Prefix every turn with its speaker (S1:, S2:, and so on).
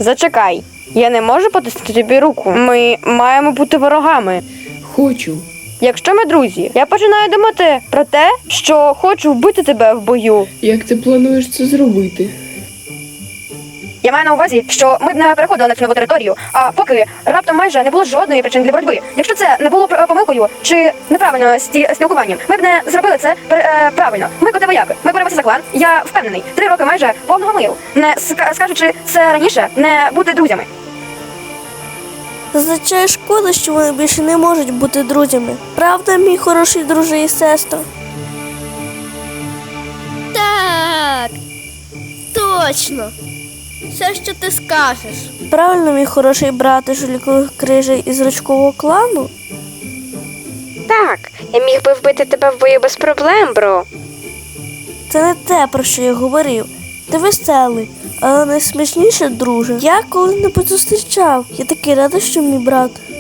S1: Зачекай. Я не можу потиснути тобі руку. Ми маємо бути ворогами.
S2: Хочу.
S1: Якщо ми друзі, я починаю думати про те, що хочу вбити тебе в бою.
S2: Як ти плануєш це зробити?
S1: Я маю на увазі, що ми б не переходили на цю нову територію, а поки раптом майже не було жодної причини для боротьби. Якщо це не було помилкою чи неправильно спілкуванням, ми б не зробили це правильно. Ми коти-вояки, ми боремося за клан. Я впевнений, 3 роки майже повного миру. Не скажучи це раніше, не бути друзями.
S3: Зазвичай шкода, що вони більше не можуть бути друзями. Правда, мій хороший друже і сестро?
S4: Так, точно. Все, що ти скажеш.
S3: Правильно, мій хороший брате жулікових крижей із рачкового клану?
S5: Так, я міг би вбити тебе в бою без проблем, бро.
S3: Це не те, про що я говорив. Ти веселий, але найсмішніше, друже. Я коли-небудь зустрічав. Я такий радий, що мій брат